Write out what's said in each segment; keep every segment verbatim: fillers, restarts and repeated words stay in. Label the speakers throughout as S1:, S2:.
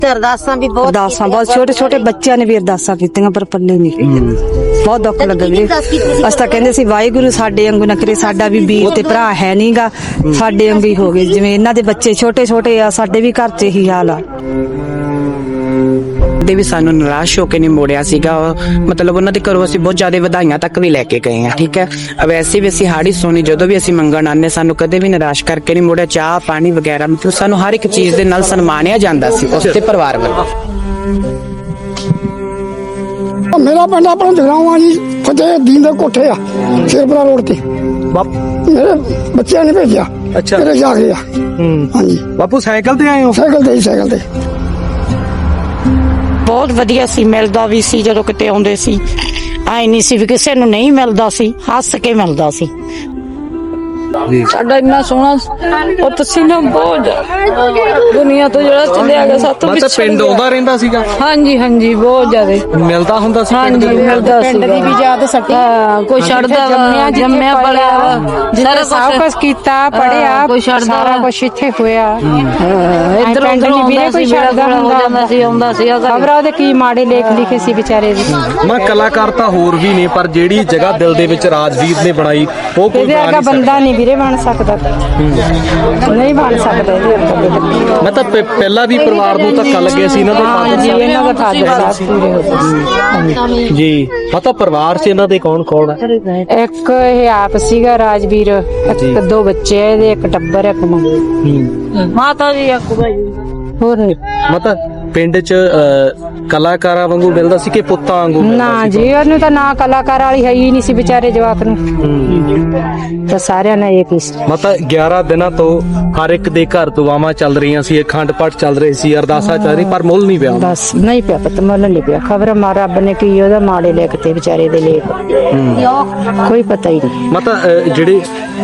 S1: ਤੇ ਅਰਦਾਸਾਂ ਵੀ ਬਹੁਤ
S2: ਅਰਦਾਸਾਂ ਬਹੁਤ ਛੋਟੇ ਛੋਟੇ ਬੱਚਿਆਂ ਨੇ ਵੀ ਅਰਦਾਸਾਂ ਕੀਤੀਆਂ ਪਰ ਪੱਲੇ ਨਹੀਂ ਬਹੁਤ ਦੁੱਖ ਲੱਗਾ ਵੀਰੇ। ਅਸੀਂ ਤਾਂ ਕਹਿੰਦੇ ਸੀ ਵਾਹਿਗੁਰੂ ਸਾਡੇ ਵਾਂਗੂ ਨਾ ਕਰੇ, ਸਾਡਾ ਵੀ ਵੀਰ ਤੇ ਭਰਾ ਹੈ ਨਹੀਂਗਾ, ਸਾਡੇ ਵਾਂਗੂ ਹੀ ਹੋ ਗਏ ਜਿਵੇਂ ਇਹਨਾਂ ਦੇ ਬੱਚੇ ਛੋਟੇ ਛੋਟੇ ਆ, ਸਾਡੇ ਵੀ ਘਰ 'ਚ ਇਹੀ ਹਾਲ ਆ।
S3: ਦੇ ਵੀ ਸਾਨੂੰ ਨਿਰਾਸ਼ ਹੋ ਕੇ ਨਹੀਂ ਮੋੜਿਆ ਸੀਗਾ, ਮਤਲਬ ਉਹਨਾਂ ਦੇ ਘਰੋਂ ਅਸੀਂ ਬਹੁਤ ਜ਼ਿਆਦਾ ਵਧਾਈਆਂ ਤੱਕ ਵੀ ਲੈ ਕੇ ਗਏ ਹਾਂ। ਠੀਕ ਹੈ, ਵੈਸੇ ਵੀ ਅਸੀਂ ਹਾੜੀ ਸੋਨੀ ਜਦੋਂ ਵੀ ਅਸੀਂ ਮੰਗਣ ਆਨੇ ਸਾਨੂੰ ਕਦੇ ਵੀ ਨਿਰਾਸ਼ ਕਰਕੇ ਨਹੀਂ ਮੋੜਿਆ। ਚਾਹ ਪਾਣੀ ਵਗੈਰਾ ਮਤਲਬ ਸਾਨੂੰ ਹਰ ਇੱਕ ਚੀਜ਼ ਦੇ ਨਾਲ ਸਨਮਾਨਿਆ ਜਾਂਦਾ ਸੀ ਉਸ ਦੇ ਪਰਿਵਾਰ ਵੱਲੋਂ।
S4: ਮੇਰਾ ਪਿੰਡ ਆਪਣਾ ਜਗਰਾਵਾਂ ਜੀ, ਫਤਿਹ ਦੀਨ ਦੇ ਕੋਠੇ ਆ ਸ਼ੇਰਪੁਰਾ ਰੋਡ ਤੇ। ਮੇਰੇ ਬੱਚਿਆਂ ਨੇ ਭੇਜਿਆ।
S5: ਅੱਛਾ,
S4: ਮੇਰੇ ਜਾ ਕੇ ਆ। ਹਾਂਜੀ
S5: ਬਾਪੂ ਸਾਈਕਲ ਤੇ ਆਏ ਹੋ?
S4: ਸਾਈਕਲ ਤੇ ਹੀ ਸਾਈਕਲ ਤੇ
S6: ਬਹੁਤ ਵਧੀਆ ਸੀ, ਮਿਲਦਾ ਵੀ ਸੀ ਜਦੋਂ ਕਿਤੇ ਆਉਂਦੇ ਸੀ, ਆਈ ਨਹੀਂ ਸੀ ਵੀ ਕਿਸੇ ਨੂੰ ਨਹੀਂ ਮਿਲਦਾ ਸੀ, ਹੱਸ ਕੇ ਮਿਲਦਾ ਸੀ। ਸਾਡਾ ਇੰਨਾ ਸੋਹਣਾ ਉਹ ਤੁਸੀਂ ਨਾ ਬਹੁਤ ਦੁਨੀਆ ਤੋਂ ਜਿਹੜਾ ਚੱਲਿਆ ਗਿਆ ਸਾਤੋਂ
S5: ਮੈਂ ਤਾਂ ਪਿੰਡ ਆਉਂਦਾ ਰਹਿੰਦਾ ਸੀਗਾ।
S6: ਹਾਂਜੀ ਹਾਂਜੀ ਬਹੁਤ ਜ਼ਿਆਦਾ
S5: ਮਿਲਦਾ ਹੁੰਦਾ ਸੀ ਪਿੰਡ
S6: ਹਾਂਜੀ
S5: ਦੇ?
S6: ਮਿਲਦਾ ਸੀ।
S2: ਪਿੰਡ ਦੀ ਵੀ ਯਾਦ ਸੱਟੀ,
S6: ਕੋਈ ਛੱਡਦਾ ਜੰਮਿਆ ਪਲਿਆ ਸਾਰਾ
S2: ਸਭ ਕੁਝ ਕੀਤਾ, ਪੜਿਆ,
S6: ਕੋਈ ਛੱਡਦਾ
S2: ਸਾਰਾ ਕੁਝ ਇੱਥੇ ਹੋਇਆ।
S6: ਇੱਧਰ
S2: ਪਿੰਡ
S6: ਉੱਧਰ
S2: ਨਹੀਂ ਵੀਰੇ ਕੋਈ ਛੱਡਦਾ
S6: ਹੁੰਦਾ ਸੀ, ਆਉਂਦਾ ਸੀ
S2: ਖਬਰਾਂ ਉਹਦੇ ਕੀ ਮਾੜੇ ਲੇਖ ਲਿਖੇ ਸੀ ਵਿਚਾਰੇ ਦੇ।
S5: ਮੈਂ ਕਲਾਕਾਰ ਤਾਂ ਹੋਰ ਵੀ ਨੇ, ਪਰ ਜਿਹੜੀ ਜਗ੍ਹਾ ਦਿਲ ਦੇ ਵਿੱਚ ਰਾਜਵੀਰ ਨੇ ਬਣਾਈ ਉਹ ਕੋਈ
S2: ਇਹਦੇ
S5: ਬਣਾ
S2: ਵਰਗਾ
S5: ਨਹੀਂ
S2: ਬੰਦਾ
S5: ਸਕਦਾ।
S2: ਨਹੀਂ ਵੀਰੇ ਬਣ ਸਕਦਾ, ਨਹੀਂ ਬਣ ਸਕਦਾ ਇਹਦੇ ਵਰਗਾ।
S5: ਮੈਂ ਤਾਂ ਪਹਿ- ਪਹਿਲਾਂ ਵੀ ਪਰਿਵਾਰ ਨੂੰ ਧੱਕਾ ਲੱਗਿਆ ਸੀ ਇਹਨਾਂ ਦੇ
S2: ਹਾਂਜੀ
S5: ਫਾਦਰ
S2: ਇਹਨਾਂ ਦਾ ਫਾਦਰ ਸਾਹਿਬ ਪੂਰੇ ਹੋ ਗਏ
S5: ਸਾਹਿਬ ਜੀ। ਪਤਾ ਪਰਿਵਾਰ 'ਚ ਇਹਨਾਂ ਦੇ ਕੌਣ ਕੌਣ ਹੈ?
S2: ਇੱਕ ਇਹ ਆਪ ਸੀਗਾ ਰਾਜਵੀਰ, ਇੱਕ ਦੋ ਬੱਚੇ ਆ ਇਹਦੇ, ਇੱਕ ਟੱਬਰ ਇੱਕ ਮੰਮੀ
S6: ਮਾਤਾ ਜੀ ਆਕੂਗਾ ਜੀ।
S2: ਹੋਰ ਨੀ।
S5: ਮਤਲਬ ਪਿੰਡ 'ਚ ਅਹ, ਕਲਾਕਾਰਾਂ ਵਾਂਗੂ ਮਿਲਦਾ ਸੀ ਕਿ ਪੁੱਤਾਂ ਵਾਂਗੂ ਮਿਲਦਾ
S2: ਨਾ
S5: ਸੀ?
S2: ਜੀ ਉਹਨੂੰ ਤਾਂ ਨਾ ਕਲਾਕਾਰ ਵਾਲੀ ਹੈ ਹੀ ਨਹੀਂ ਸੀ ਵਿਚਾਰੇ ਜਵਾਕ ਨੂੰ, ਤਾਂ ਸਾਰਿਆਂ ਨੇ ਇਹ ਕੀ
S5: ਮਤਲਬ ਗਿਆਰਾਂ ਦਿਨਾਂ ਤੋਂ ਹਰ ਇੱਕ ਦੇ ਘਰ ਦੁਆਵਾਂ ਚੱਲ ਰਹੀਆਂ ਸੀ, ਅਖੰਡ ਪਾਠ ਚੱਲ ਰਹੇ ਸੀ, ਅਰਦਾਸਾਂ ਚੱਲ ਰਹੀ, ਪਰ ਮੁੱਲ ਨਹੀਂ ਪਿਆ।
S2: ਬਸ ਨਹੀਂ ਪਿਆ ਪਤ ਮੁੱਲ ਨਹੀਂ ਪਿਆ। ਖਬਰ ਮਾ ਰੱਬ ਨੇ ਕੀ ਉਹਦਾ ਮਾੜੇ ਲਿਖਤੇ ਵਿਚਾਰੇ ਦੇ ਲੇਖ, ਕੋਈ ਪਤਾ ਹੀ ਨਹੀਂ।
S5: ਮਤਲਬ ਅਹ, ਜਿਹੜੇ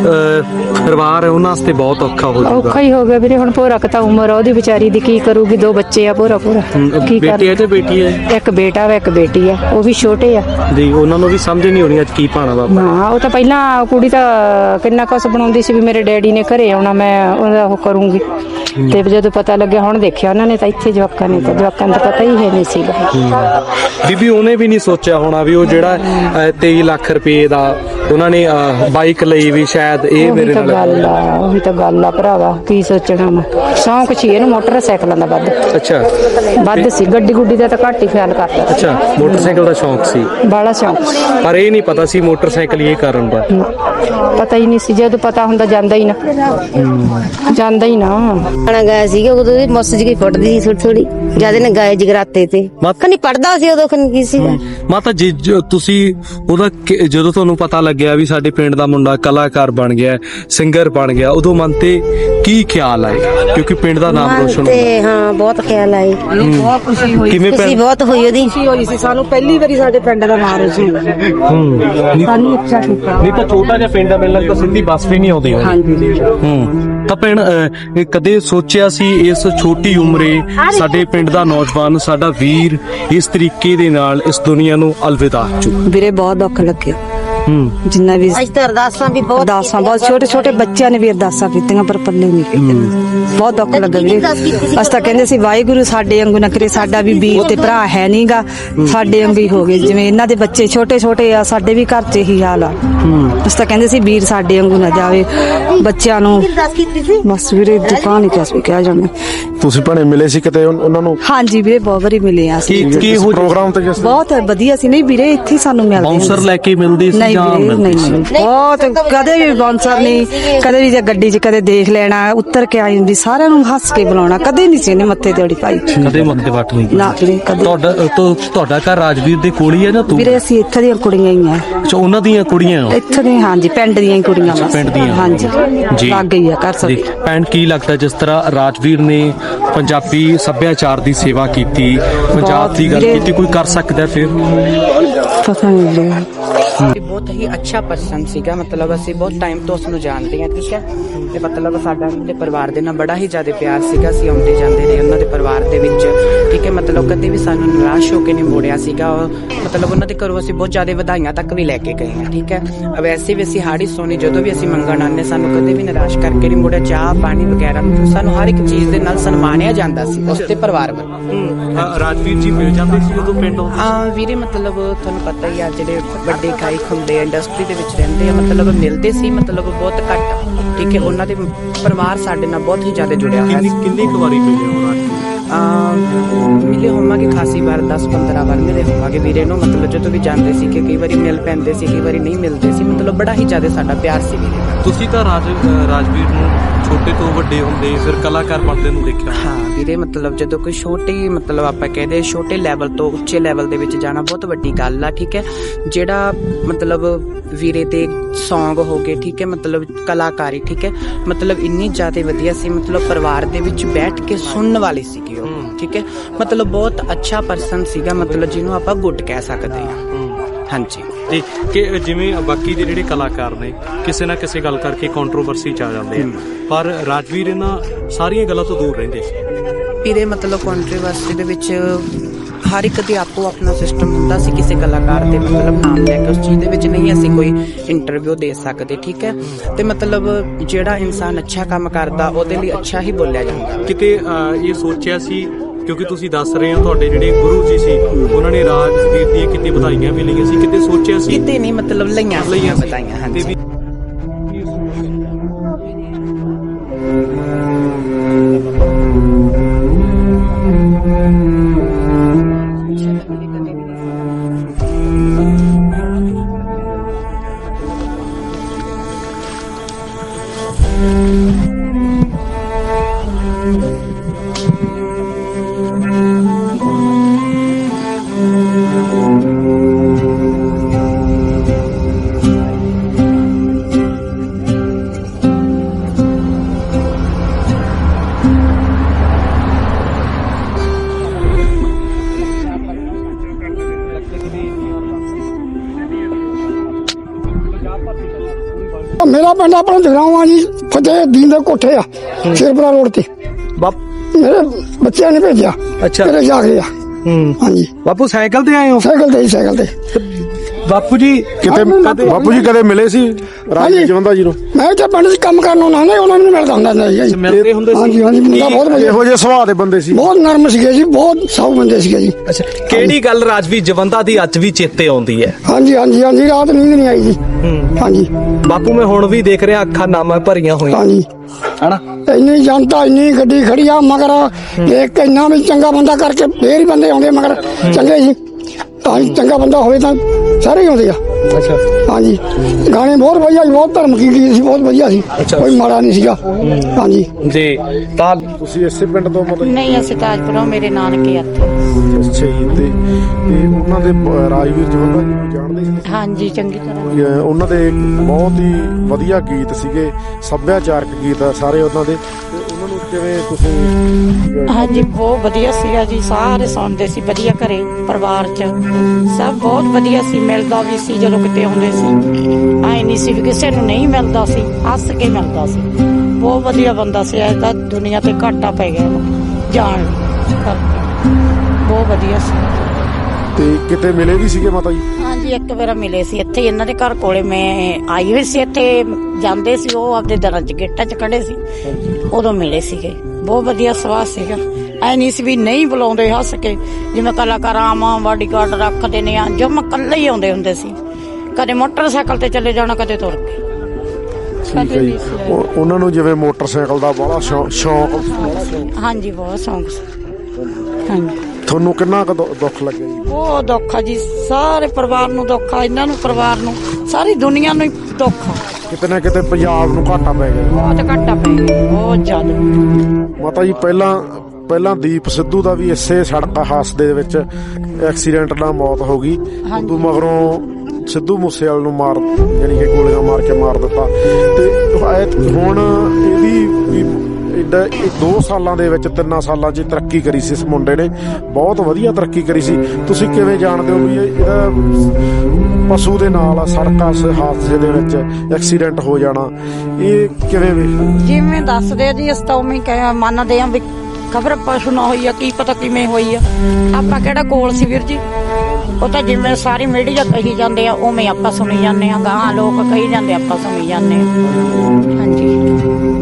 S5: ਅਹ, ਪਰਿਵਾਰ ਹੈ ਉਹਨਾਂ ਵਾਸਤੇ ਬਹੁਤ ਔਖਾ ਹੋ ਜਾਊਗਾ।
S2: ਔਖਾ ਹੀ ਹੋ ਗਿਆ ਵੀਰੇ। ਹੁਣ ਭੋਰਾ ਤਾਂ ਉਮਰ ਆ ਉਹਦੀ ਵਿਚਾਰੀ ਦੀ, ਕੀ ਕਰੂਗੀ? ਦੋ ਬੱਚੇ ਆ, ਭੋਰਾ ਭੋਰਾ ਕੀ ਕਰ।
S5: ਬੇਟੀ ਹੈ ਤੇ ਬੇਟੀ ਹੈ?
S2: ਇੱਕ ਬੇਟਾ ਵਾ ਇੱਕ ਬੇਟੀ ਆ, ਉਹ ਵੀ ਛੋਟੇ ਆ
S5: ਜੀ, ਉਹਨਾਂ ਨੂੰ ਵੀ ਸਮਝ ਨਹੀਂ ਆਉਣੀ ਅੱਜ ਕੀ ਪਾਣਾ ਬਾਬਾ।
S2: ਹਾਂ ਉਹ ਤਾਂ ਪਹਿਲਾਂ ਕੁੜੀ ਤਾਂ ਕਿੰਨਾ ਕੁਛ ਬਣਾਉਂਦੀ ਸੀ ਵੀ ਮੇਰੇ ਡੈਡੀ ਨੇ ਘਰੇ ਆਉਣਾ, ਮੈਂ ਉਹਦਾ ਉਹ ਕਰੂੰਗੀ, ਤੇ ਜਦੋਂ ਪਤਾ ਲੱਗਿਆ ਹੁਣ ਦੇਖਿਆ ਉਹਨਾਂ ਨੇ ਤਾਂ ਇੱਥੇ ਜਵਾਕਾਂ ਨੇ ਤਾਂ ਜਵਾਕਾਂ ਦਾ ਪਤਾ ਹੀ ਹੈ ਨਹੀਂ ਸੀਗਾ।
S5: ਬੀਬੀ ਉਹਨੇ ਵੀ ਨਹੀਂ ਸੋਚਿਆ ਹੋਣਾ ਵੀ ਉਹ ਜਿਹੜਾ ਤੇਈ ਲੱਖ ਰੁਪਏ ਦਾ ਉਹਨਾਂ ਨੇ ਅਹ, ਬਾਈਕ ਲਈ ਵੀ ਸ਼ਾਇਦ ਇਹ
S2: ਉਹੀ
S5: ਮੇਰੇ
S2: ਤਾਂ
S5: ਨਾਲ
S2: ਗੱਲ ਆ, ਉਹੀ ਤਾਂ ਗੱਲ ਆ ਭਰਾਵਾ, ਕੀ ਸੋਚਣਾ ਵਾ। ਸ਼ੌਂਕ ਸੀ ਇਹਨੂੰ ਮੋਟਰਸਾਈਕਲਾਂ ਦਾ ਵੱਧ
S5: ਅੱਛਾ
S2: ਵੱਧ ਸੀ, ਗੱਡੀ ਗੁੱਡੀ ਦਾ ਤਾਂ ਘੱਟ ਹੀ ਖਿਆਲ ਕਰਦਾ ਸੀ,
S5: ਅੱਛਾ ਮੋਟਰਸਾਈਕਲ ਦਾ ਸ਼ੌਂਕ ਸੀ,
S2: ਬਾਲਾ ਸ਼ੌਂਕ ਸੀ।
S5: ਪਰ ਇਹ ਨਹੀਂ ਪਤਾ ਸੀ ਮੋਟਰਸਾਈਕਲ ਇਹ ਕਰਨ ਦਾ।
S2: ਪਤਾ ਹੀ ਨਹੀਂ ਸੀ, ਜਦੋਂ ਪਤਾ ਹੁੰਦਾ ਜਾਂਦਾ ਹੀ ਨਾ, ਜਾਂਦਾ ਹੀ ਨਾ।
S1: ਗਾਣਾ ਗਾਇਆ ਸੀਗਾ ਉਦੋਂ ਦੀ ਮੁੱਸ ਜਿਹੀ ਫੁੱਟਦੀ ਸੀ ਥੋੜੀ ਥੋੜੀ, ਜਿਆਦਾ ਨੇ ਗਾਏ ਜਗਰਾਤੇ ਤੇ
S5: ਮਤ-
S1: ਖਨੀ ਪੜਦਾ ਸੀ ਉਦੋਂ, ਖਨੀ ਕੀ ਸੀਗਾ।
S5: ਮਾਤਾ ਜੀ ਜੋ ਤੁਸੀਂ ਉਹਦਾ ਕਿ- ਜਦੋਂ ਤੁਹਾਨੂੰ ਪਤਾ ਲੱਗਿਆ ਵੀ ਸਾਡੇ ਪਿੰਡ ਦਾ ਮੁੰਡਾ ਕਲਾਕਾਰ ਬਣ ਗਿਆ, ਸਿੰਗਰ ਬਣ ਗਿਆ, ਉਦੋਂ ਮਨ ਤੇ ਕੀ ਖਿਆਲ ਆਏ? ਕਿਉਂਕਿ ਪਿੰਡ ਦਾ ਨਾਮ
S1: ਮਨ
S5: ਰੋਸ਼ਨ
S1: ਤੇ ਹਾਂ ਬਹੁਤ ਖਿਆਲ ਆਈ,
S2: ਬਹੁਤ ਖੁਸ਼ੀ ਹੋਈ,
S5: ਕਿਵੇਂ
S1: ਖੁਸ਼ੀ
S5: ਪਿੰਡ
S1: ਬਹੁਤ ਹੋਈ ਉਹਦੀ।
S2: ਖੁਸ਼ੀ ਹੋਈ ਸੀ ਸਾਨੂੰ, ਪਹਿਲੀ ਵਾਰੀ ਸਾਡੇ ਪਿੰਡ ਦਾ ਨਾਮ ਰੋਸ਼ਨ ਹੋਇਆ,
S5: ਹੂੰ
S2: ਸਾਨੂੰ ਅੱਛਾ ਕੀਤਾ।
S5: ਨਹੀਂ ਤਾਂ ਛੋਟਾ ਜਿਹਾ ਪਿੰਡ ਆ, ਮੈਨੂੰ ਲੱਗਦਾ ਸਿੱਧੀ ਬੱਸ ਵੀ ਨਹੀਂ ਆਉਂਦੀ ਹੋਣੀ। ਹੂੰ ਤਾਂ ਪਿੰਡ ਅਹ, ਕਦੇ ਸੋਚਿਆ ਸੀ ਇਸ ਛੋਟੀ ਉਮਰੇ ਸਾਡੇ ਪਿੰਡ ਦਾ ਨੌਜਵਾਨ, ਸਾਡਾ ਵੀਰ ਇਸ ਤਰੀਕੇ ਦੇ ਨਾਲ ਇਸ ਦੁਨੀਆ ਨੂੰ ਅਲਵਿਦਾ ਚੁ
S2: ਵੀਰੇ ਬਹੁਤ ਦੁੱਖ ਲੱਗਿਆ,
S5: ਹੂੰ
S2: ਜਿੰਨਾ ਵੀ
S1: ਅੱਜ ਤਾਂ ਅਰਦਾਸਾਂ ਵੀ ਬਹੁਤ
S2: ਅਰਦਾਸਾਂ ਬਹੁਤ ਛੋਟੇ ਛੋਟੇ ਬੱਚਿਆਂ ਨੇ ਵੀ ਅਰਦਾਸਾਂ ਕੀਤੀਆਂ ਪਰ ਪੱਲੇ ਨਹੀਂ। ਬਹੁਤ ਦੁੱਖ ਲੱਗਾ ਵੀਰੇ। ਅਸੀਂ ਤਾਂ ਕਹਿੰਦੇ ਸੀ ਵਾਹਿਗੁਰੂ ਸਾਡੇ ਵਾਂਗੂ ਨਾ ਕਰੇ, ਸਾਡਾ ਵੀ ਵੀਰ ਤੇ ਭਰਾ ਹੈ ਨਹੀਂਗਾ, ਸਾਡੇ ਵਾਂਗੂ ਹੀ ਹੋ ਗਏ ਜਿਵੇਂ ਇਹਨਾਂ ਦੇ ਬੱਚੇ ਛੋਟੇ ਛੋਟੇ ਆ, ਸਾਡੇ ਵੀ ਘਰ 'ਚ ਇਹੀ ਹਾਲ ਆ। ਅਸੀਂ ਤਾਂ ਕਹਿੰਦੇ ਸੀ ਵੀਰ ਸਾਡੇ ਵਾਂਗੂ ਨਾ ਜਾਵੇ, ਬੱਚਿਆਂ ਨੂੰ
S1: ਅਰਦਾਸ ਕੀਤੀ ਸੀ।
S2: ਬਸ ਵੀਰੇ ਦੁਕਾਨ ਹੀ ਕਿਸ ਵੀ ਕਿਹਾ ਜਾਂਦਾ।
S7: ਤੁਸੀਂ ਭੈਣੇ ਮਿਲੇ ਸੀ ਕਿਤੇ ਉਨ- ਉਹਨਾਂ ਨੂੰ?
S2: ਹਾਂਜੀ ਵੀਰੇ ਬਹੁਤ ਵਾਰੀ ਮਿਲੇ ਆ ਅਸੀਂ,
S5: ਕੀ ਕੀ ਹੋ
S7: ਪ੍ਰੋਗਰਾਮ ਤੇ ਕਿਸ
S2: ਬਹੁਤ ਵਧੀਆ ਸੀ। ਨਹੀਂ ਵੀਰੇ ਇੱਥੇ ਹੀ ਸਾਨੂੰ ਮਿਲਦੇ ਹੁੰਦੇ
S5: ਬਾਉਂਸਰ
S2: ਸੀ।
S5: ਲੈ ਕੇ ਮਿਲਦੇ ਸੀ
S2: ਨਹੀਂ
S5: ਜਾਂ
S2: ਵੀਰੇ
S5: ਮਿਲਦੇ
S2: ਨਹੀਂ
S5: ਸੀ?
S2: ਮਿਲਦੇ। ਬਹੁਤ ਕਦੇ ਵੀ ਬਾਉਂਸਰ ਨਹੀਂ, ਕਦੇ ਵੀ ਜੇ ਗੱਡੀ 'ਚ ਕਦੇ ਦੇਖ ਲੈਣਾ, ਉੱਤਰ ਕੇ ਆਈ ਹੁੰਦੀ, ਸਾਰਿਆਂ ਨੂੰ ਹੱਸ ਕੇ ਬੁਲਾਉਣਾ, ਕਦੇ ਨਹੀਂ ਸੀ ਇਹਨੇ ਮੱਥੇ ਤੇ ਅੜੀ ਪਾਈ।
S5: ਕਦੇ ਮੱਥੇ ਵੱਟ ਨਹੀਂ
S2: ਨਾ ਵੀਰੇ ਕਦੇ।
S5: ਤੁਹਾਡਾ ਤੋਂ ਤੁਹਾਡਾ ਘਰ ਰਾਜਵੀਰ ਦੇ ਕੋਲ ਹੀ ਹੈ ਨਾ? ਤੂੰ
S2: ਵੀਰੇ ਅਸੀਂ ਇੱਥੇ ਦੀਆਂ ਕੁੜੀਆਂ ਹੀ ਆ,
S5: ਅੱਛਾ ਉਹਨਾਂ ਦੀਆਂ ਕੁੜੀਆਂ ਹੋ?
S2: ਇੱਥੇ ਦੀਆਂ, ਹਾਂਜੀ ਪਿੰਡ ਦੀਆਂ ਹੀ ਕੁੜੀਆਂ ਬਸ।
S5: ਪਿੰਡ ਦੀਆਂ।
S2: ਹਾਂਜੀ
S5: ਜੀ।
S2: ਲੱਗ ਗਈ ਆ ਕਰ
S5: ਜੀ
S2: ਸਕਦੇ।
S5: ਭੈਣ ਕੀ ਲੱਗਦਾ ਜਿਸ ਤਰ੍ਹਾਂ ਰਾਜਵੀਰ ਨੇ ਪੰਜਾਬੀ ਸੱਭਿਆਚਾਰ ਦੀ ਸੇਵਾ ਕੀਤੀ, ਪੰਜਾਬ ਦੀ ਗੱਲ
S2: ਵੀਰੇ।
S5: ਕੀਤੀ, ਕੋਈ ਕਰ ਸਕਦਾ ਫਿਰ?
S2: ਪਤਾ ਨਹੀਂ ਵੀਰੇ।
S3: ਬਹੁਤ ਹੀ ਅੱਛਾ ਪਰਸਨ ਸੀਗਾ, ਮਤਲਬ ਅਸੀਂ ਬਹੁਤ ਟਾਈਮ ਤੋਂ ਉਸ ਨੂੰ ਜਾਣਦੇ ਹਾਂ। ਠੀਕ ਹੈ, ਤੇ ਮਤਲਬ ਸਾਡਾ ਉਹਨਾਂ ਦੇ ਪਰਿਵਾਰ ਦੇ ਨਾਲ ਬੜਾ ਹੀ ਜ਼ਿਆਦਾ ਪਿਆਰ ਸੀਗਾ, ਅਸੀਂ ਆਉਂਦੇ ਜਾਂਦੇ ਰਹੇ ਉਹਨਾਂ ਦੇ ਪਰਿਵਾਰ ਦੇ ਵਿੱਚ। ਠੀਕ ਹੈ। ਹੈ ਮਤਲਬ ਕਦੇ ਵੀ ਸਾਨੂੰ ਨਿਰਾਸ਼ ਹੋ ਕੇ ਨਹੀਂ ਮੋੜਿਆ ਸੀਗਾ ਉਹ ਮਤਲਬ ਉਹਨਾਂ ਦੇ ਘਰੋਂ ਅਸੀਂ ਬਹੁਤ ਜ਼ਿਆਦਾ ਵਧਾਈਆਂ ਤੱਕ ਵੀ ਲੈ ਕੇ ਗਏ ਹਾਂ ਠੀਕ ਹੈ ਵੈਸੇ ਵੀ ਅਸੀਂ ਹਾੜੀ ਸੋਨੀ ਜਦੋਂ ਵੀ ਅਸੀਂ ਮੰਗਣ ਆਉਂਦੇ ਸਾਨੂੰ ਕਦੇ ਵੀ ਨਿਰਾਸ਼ ਕਰਕੇ ਨਹੀਂ ਮੋੜਿਆ ਚਾਹ ਪਾਣੀ ਵਗੈਰਾ ਮਤਲਬ ਸਾਨੂੰ ਹਰ ਇੱਕ ਚੀਜ਼ ਦੇ ਨਾਲ ਸਨਮਾਨਿਆ ਜਾਂਦਾ ਸੀ ਉਸ ਤੇ ਪਰਿਵਾਰ ਵੱਲੋਂ।
S5: ਰਾਜਵੀਰ ਜੀ ਮਿਲ ਜਾਂਦੇ ਸੀ ਉਦੋਂ ਪਿੰਡ ਆਉਂਦੇ
S3: ਆ ਵੀਰੇ ਮਤਲਬ ਤੁਹਾਨੂੰ ਪਤਾ ਹੀ ਆ ਜਿਹੜੇ ਵੱਡੇ ਗਾਇਕ ਹੁੰਦੇ ਆ ਇੰਡਸਟਰੀ ਦੇ ਵਿੱਚ ਰਹਿੰਦੇ ਆ ਮਤਲਬ ਮਿਲਦੇ ਸੀ ਮਤਲਬ ਬਹੁਤ ਘੱਟ ਠੀਕ ਹੈ ਉਹਨਾਂ ਦੇ ਪਰਿਵਾਰ ਸਾਡੇ ਨਾਲ ਬਹੁਤ ਹੀ ਜ਼ਿਆਦਾ ਜੁੜਿਆ ਹੋਇਆ
S5: ਕਿੰਨੀ
S3: ਸੀ।
S5: ਕਿੰਨੀ ਕੁ ਵਾਰੀ ਮਿਲੇ ਹੋ ਰਾਜਵੀਰ
S3: ਆ ਮਿਲੇ ਹੋਵਾਂਗੇ ਖਾਸੀ ਵਾਰ ਦਸ ਪੰਦਰਾਂ ਵਾਰ ਮਿਲੇ ਹੋਵਾਂਗੇ ਵੀਰੇ ਨੂੰ ਮਤਲਬ ਜਦੋਂ ਵੀ ਜਾਂਦੇ ਸੀ ਕਿ ਕਈ ਵਾਰੀ ਮਿਲ ਪੈਂਦੇ ਸੀ ਕਈ ਵਾਰੀ ਨਹੀਂ ਮਿਲਦੇ ਸੀ ਮਤਲਬ ਬੜਾ ਹੀ ਜ਼ਿਆਦਾ ਸਾਡਾ ਪਿਆਰ ਸੀ ਵੀਰੇ ਨਾਲ।
S5: ਤੁਸੀਂ ਤਾਂ ਰਾਜ ਰਾਜਵੀਰ ਨੂੰ ਛੋਟੇ ਤੋਂ ਵੱਡੇ ਹੁੰਦੇ ਫਿਰ ਕਲਾਕਾਰ ਬਣਦੇ ਨੂੰ ਦੇਖਿਆ
S3: ਹਾਂ ਵੀਰੇ ਮਤਲਬ ਜਦੋਂ ਕੋਈ ਛੋਟੀ ਮਤਲਬ ਆਪਾਂ ਕਹਿੰਦੇ ਛੋਟੇ ਲੈਵਲ ਤੋਂ ਉੱਚੇ ਲੈਵਲ ਦੇ ਵਿੱਚ ਜਾਣਾ ਬਹੁਤ ਵੱਡੀ ਗੱਲ ਆ ਠੀਕ ਹੈ ਜਿਹੜਾ ਮਤਲਬ ਵੀਰੇ ਦੇ ਸੌਂਗ ਹੋ ਗਏ ਠੀਕ ਹੈ ਮਤਲਬ ਕਲਾਕਾਰੀ ਠੀਕ ਹੈ ਮਤਲਬ ਇੰਨੀ ਜ਼ਿਆਦਾ ਵਧੀਆ ਸੀ ਮਤਲਬ ਪਰਿਵਾਰ ਦੇ ਵਿੱਚ ਬੈਠ ਕੇ ਸੁਣਨ ਵਾਲੀ ਸੀਗੀ ਉਹ ਠੀਕ ਹੈ ਮਤਲਬ ਬਹੁਤ ਅੱਛਾ ਪਰਸਨ ਸੀਗਾ ਮਤਲਬ ਜਿਹਨੂੰ ਆਪਾਂ ਗੁੱਡ ਕਹਿ ਸਕਦੇ ਹਾਂ ਹਾਂਜੀ
S5: ਜੀ ਕਿ ਜਿਵੇਂ ਬਾਕੀ ਦੇ ਜਿਹੜੇ ਕਲਾਕਾਰ ਨੇ ਕਿਸੇ ਨਾ ਕਿਸੇ ਗੱਲ ਕਰਕੇ ਕੰਟਰੋਵਰਸੀ ਚ ਆ ਜਾਂਦੇ ਆ ਪਰ ਰਾਜਵੀਰ ਇਹਨਾਂ ਸਾਰੀਆਂ ਗੱਲਾਂ ਤੋਂ ਦੂਰ ਰਹਿੰਦੇ ਸੀ
S3: ਵੀਰੇ ਮਤਲਬ ਕੰਟਰੋਵਰਸੀ ਦੇ ਵਿੱਚ ਹਰ ਇੱਕ ਦੇ ਆਪੋ ਆਪਣਾ ਸਿਸਟਮ ਹੁੰਦਾ ਸੀ ਕਿਸੇ ਕਲਾਕਾਰ ਦੇ ਮਤਲਬ ਨਾਮ ਲੈ ਕੇ ਉਸ ਚੀਜ਼ ਦੇ ਵਿੱਚ ਨਹੀਂ ਅਸੀਂ ਕੋਈ ਇੰਟਰਵਿਊ ਦੇ ਸਕਦੇ ਠੀਕ ਹੈ ਤੇ ਮਤਲਬ ਜਿਹੜਾ ਇਨਸਾਨ ਅੱਛਾ ਕੰਮ ਕਰਦਾ ਉਹਦੇ ਲਈ ਅੱਛਾ ਹੀ ਬੋਲਿਆ ਜਾਂਦਾ
S5: ਕਿਤੇ ਇਹ ਸੋਚਿਆ ਸੀ ਕਿਉਂਕਿ ਤੁਸੀਂ ਦੱਸ ਰਹੇ ਹੋ ਤੁਹਾਡੇ ਜਿਹੜੇ ਗੁਰੂ ਜੀ ਸੀ ਉਹਨਾਂ ਨੇ ਰਾਜਵੀਰ ਦੀਆਂ ਕਿਤੇ ਵਧਾਈਆਂ ਵੀ ਲਈਆਂ ਸੀ ਕਿਤੇ ਸੋਚਿਆ ਸੀ
S3: ਕਿਤੇ ਨਹੀਂ ਮਤਲਬ ਲਈਆਂ
S5: ਲਈਆਂ ਸੀ
S3: ਬਤਾਈਆਂ ਹਾਂਜੀ
S5: ਤੇ ਵੀ
S4: ਮੇਰਾ ਪਿੰਡ ਆਪਣਾ ਜਗਰਾਵਾਂ ਜੀ ਫਤਿਹ ਦੀਨ ਦੇ ਕੋਠੇ ਆ ਸ਼ੇਰਪੁਰਾ ਰੋਡ ਤੇ
S5: ਬਾਪ
S4: ਮੇਰੇ ਬੱਚਿਆਂ ਨੇ ਭੇਜਿਆ
S5: ਅੱਛਾ।
S4: ਮੇਰੇ ਜਾ ਕੇ ਆ
S5: ਹੂੰ
S4: ਹਾਂਜੀ
S5: ਬਾਪੂ ਸਾਈਕਲ ਤੇ ਆਏ ਹੋ
S4: ਸਾਈਕਲ ਤੇ ਹੀ ਸਾਈਕਲ ਤੇ
S5: ਬਾਪੂ ਜੀ
S7: ਕਿਤੇ ਬਾਪੂ ਜੀ ਕਦੇ ਮਿਲੇ ਸੀ ਰਾਜਵੀਰ ਜਵੰਦਾ ਜੀ ਨੂੰ?
S4: ਮੈਂ ਤਾਂ ਪਿੰਡ 'ਚ ਕੰਮ ਕਰਨ ਆਉਣਾ ਨਾ ਉਹਨਾਂ ਨੂੰ ਮਿਲਦਾ ਹੁੰਦਾ ਸੀ
S5: ਮਿਲਦੇ ਹੁੰਦੇ ਸੀ
S4: ਹਾਂਜੀ ਹਾਂਜੀ ਮੁੰਡਾ ਬਹੁਤ ਵਧੀਆ
S7: ਇਹੋ ਜਿਹੇ ਸੁਭਾਅ ਦੇ ਬੰਦੇ ਸੀ
S4: ਬਹੁਤ ਨਰਮ ਸੀਗੇ ਜੀ ਬਹੁਤ ਸਾਊ ਬੰਦੇ ਸੀਗੇ ਜੀ
S8: ਅੱਛਾ ਕਿਹੜੀ ਗੱਲ ਰਾਜਵੀਰ ਜਵੰਦਾ ਦੀ ਅੱਜ ਵੀ ਚੇਤੇ ਆਉਂਦੀ ਹੈ?
S4: ਹਾਂਜੀ ਹਾਂਜੀ ਹਾਂਜੀ ਰਾਤ ਨੀਂਦ ਨਹੀਂ ਆਈ ਜੀ ਹਾਂਜੀ
S8: ਬਾਪੂ ਮੈਂ ਹੁਣ ਵੀ ਦੇਖ ਰਿਹਾ ਅੱਖਾਂ ਨਾਮਾਂ ਭਰੀਆਂ ਹੋਈਆਂ
S4: ਹਾਂਜੀ
S8: ਹਨਾ
S4: ਇੰਨੀ ਜਨਤਾ ਇੰਨੀ ਗੱਡੀ ਖੜੀ ਆ ਮਗਰ ਇੱਕ ਇੰਨਾ ਵੀ ਚੰਗਾ ਬੰਦਾ ਕਰਕੇ ਫੇਰ ਹੀ ਬੰਦੇ ਆਉਂਦੇ ਮਗਰ ਚੰਗੇ ਜੀ ਤਾਂ ਚੰਗਾ ਬੰਦਾ ਹੋਵੇ ਤਾਂ ਸਾਰੇ ਹੀ ਆਉਂਦੇ ਆ
S8: ਅੱਛਾ
S4: ਹਾਂਜੀ ਗਾਣੇ ਬਹੁਤ ਵਧੀਆ ਸੀ ਬਹੁਤ ਧਰਮ ਕੀ ਗੀਤ ਸੀ ਬਹੁਤ ਵਧੀਆ ਸੀ ਕੋਈ ਮਾੜਾ ਨਹੀਂ ਸੀਗਾ ਹਾਂਜੀ
S8: ਜੀ ਤਾਂ
S7: ਤੁਸੀਂ ਇਸੇ ਪਿੰਡ ਤੋਂ ਮਤਲਬ
S6: ਨਹੀਂ ਅਸੀਂ ਤਾਜਪੁਰੋਂ ਮੇਰੇ ਨਾਨਕੇ ਇੱਥੇ
S7: ਅੱਛਾ ਜੀ ਤੇ ਤੇ ਉਹਨਾਂ ਦੇ ਪ- ਰਾਜਵੀਰ ਜਵੰਦਾ ਜੀ ਨੂੰ ਜਾਣਦੇ ਸੀ ਤੁਸੀਂ?
S6: ਹਾਂਜੀ ਚੰਗੀ ਤਰ੍ਹਾਂ
S7: ਕਿ ਉਹਨਾਂ ਦੇ ਬਹੁਤ ਹੀ ਵਧੀਆ ਗੀਤ ਸੀਗੇ ਸੱਭਿਆਚਾਰਕ ਗੀਤ ਆ ਸਾਰੇ ਉਹਨਾਂ ਦੇ ਤੇ ਉਹਨਾਂ ਨੂੰ ਕਿਵੇਂ ਤੁਸੀਂ
S6: ਹਾਂਜੀ ਬਹੁਤ ਵਧੀਆ ਸੀਗਾ ਜੀ ਸਾਰੇ ਸੁਣਦੇ ਸੀ ਵਧੀਆ ਘਰੇ ਪਰਿਵਾਰ 'ਚ ਸਭ ਬਹੁਤ ਵਧੀਆ ਸੀ ਮਿਲਦਾ ਵੀ ਸੀ ਜਦੋਂ ਕਿਤੇ ਆਉਂਦੇ ਸੀ ਆਏ ਨਹੀਂ ਸੀ ਵੀ ਕਿਸੇ ਨੂੰ ਨਹੀਂ ਮਿਲਦਾ ਸੀ ਹੱਸ ਕੇ ਮਿਲਦਾ ਸੀ ਬਹੁਤ ਵਧੀਆ ਬੰਦਾ ਸੀ ਅੱਜ ਤਾਂ ਦੁਨੀਆ ਤੇ ਘਾਟਾ ਪੈ ਗਿਆ ਇਹਨੂੰ ਜਾਣ ਕਰਕੇ ਬਹੁਤ ਵਧੀਆ ਸੀ
S4: ਤੇ ਕਿਤੇ ਮਿਲੇ ਵੀ ਸੀਗੇ ਮਾਤਾ ਜੀ?
S6: ਹਾਂਜੀ ਇੱਕ ਵਾਰ ਮਿਲੇ ਸੀ ਇੱਥੇ ਇਹਨਾਂ ਦੇ ਘਰ ਕੋਲੇ ਮੈਂ ਆਈ ਹੋਈ ਸੀ ਇੱਥੇ ਜਾਂਦੇ ਸੀ ਉਹ ਆਪਦੇ ਦਰਾਂ ਚ ਗੇਟਾਂ ਚ ਖੜੇ ਸੀ ਉਦੋਂ ਮਿਲੇ ਸੀਗੇ ਬਹੁਤ ਵਧੀਆ ਸੁਭਾਅ ਸੀਗਾ ਐ ਨਹੀਂ ਸੀ ਵੀ ਨਹੀਂ ਬੁਲਾਉਂਦੇ ਹੱਸ ਕੇ ਜਿਵੇਂ ਕਲਾਕਾਰ ਆਵਾਂ ਬਾਡੀਗਾਰਡ ਰੱਖਦੇ ਨੇ ਆ ਜਮ ਇਕੱਲੇ ਹੀ ਆਉਂਦੇ ਹੁੰਦੇ ਸੀ ਕਦੇ ਮੋਟਰਸਾਈਕਲ ਤੇ ਚੱਲੇ ਜਾਣਾ ਕਦੇ ਤੁਰ ਕੇ
S4: ਠੀਕ ਹੈ ਜੀ। ਉਹ- ਉਹਨਾਂ ਨੂੰ ਜਿਵੇਂ ਮੋਟਰਸਾਈਕਲ ਦਾ ਬੜਾ ਸ਼ੌ- ਸ਼ੌਕ
S6: ਹਾਂਜੀ ਬਹੁਤ ਸ਼ੌਂਕ ਸੀ ਹਾਂਜੀ
S4: ਤੁਹਾਨੂੰ ਕਿੰਨਾ ਕੁ ਦੁ- ਦੁੱਖ ਲੱਗਿਆ ਜੀ?
S6: ਬਹੁਤ ਦੁੱਖ ਆ ਜੀ ਸਾਰੇ ਪਰਿਵਾਰ ਨੂੰ ਦੁੱਖ ਆ ਇਹਨਾਂ ਨੂੰ ਪਰਿਵਾਰ ਨੂੰ ਸਾਰੀ ਦੁਨੀਆ ਨੂੰ ਹੀ ਦੁੱਖ ਆ
S4: ਕਿਤੇ ਨਾ ਕਿਤੇ ਪੰਜਾਬ ਨੂੰ ਘਾਟਾ ਪੈ ਗਿਆ
S6: ਬਹੁਤ ਘਾਟਾ ਪੈ ਗਿਆ ਬਹੁਤ ਜ਼ਿਆਦਾ
S4: ਮਾਤਾ ਜੀ ਪਹਿਲਾਂ ਪਹਿਲਾਂ ਦੀਪ ਸਿੱਧੂ ਦਾ ਵੀ ਇਸੇ ਸੜਕ ਹਾਦਸੇ ਦੇ ਵਿੱਚ ਐਕਸੀਡੈਂਟ ਨਾਲ ਮੌਤ ਹੋ ਗਈ ਉਦੋਂ ਮਗਰੋਂ ਸਿੱਧੂ ਮੂਸੇਵਾਲੇ ਨੂੰ ਮਾਰ ਯਾਨੀ ਕਿ ਗੋਲੀਆਂ ਮਾਰ ਕੇ ਮਾਰ ਦਿੱਤਾ ਤੇ ਐਤ- ਹੁਣ ਇਹਦੀ ਵੀ ਏਡਾ ਇਹ ਦੋ ਸਾਲਾਂ ਦੇ ਵਿੱਚ ਤਿੰਨਾਂ ਸਾਲਾਂ 'ਚ ਤਰੱਕੀ ਕਰੀ ਸੀ ਇਸ ਮੁੰਡੇ ਨੇ ਬਹੁਤ ਵਧੀਆ ਤਰੱਕੀ ਕਰੀ ਸੀ ਤੁਸੀਂ ਕਿਵੇਂ ਜਾਣਦੇ ਹੋ ਵੀ ਇਹ- ਇਹਦਾ ਪਸ਼ੂ ਦੇ ਨਾਲ ਸੜਕ ਹਾਦਸੇ ਦੇ ਵਿੱਚ ਐਕਸੀਡੈਂਟ ਹੋ ਜਾਣਾ ਇਹ ਕਿਵੇਂ ਵੇਖਦੇ?
S6: ਜਿਵੇਂ ਦੱਸਦੇ ਆ ਜੀ ਅਸੀਂ ਤਾਂ ਉਵੇਂ ਹੀ ਕਹਿ ਮੰਨਦੇ ਆ ਵੀ ਖਬਰ ਪਸ਼ੂ ਨਾ ਹੋਈ ਆ, ਕੀ ਪਤਾ ਕਿਵੇਂ ਹੋਈ ਆ। ਆਪਾਂ ਕਿਹੜਾ ਕੋਲ ਸੀ ਵੀਰ ਜੀ, ਉਹ ਤਾਂ ਜਿਵੇਂ ਸਾਰੀ ਮੀਡੀਆ ਕਹੀ ਜਾਂਦੇ ਆ ਉਵੇਂ ਆਪਾਂ ਸੁਣੀ ਜਾਂਦੇ ਆ, ਗਾਂ ਲੋਕ ਕਹੀ ਜਾਂਦੇ ਆਪਾਂ ਸੁਣੀ ਜਾਂਦੇ ਆ। ਹਾਂਜੀ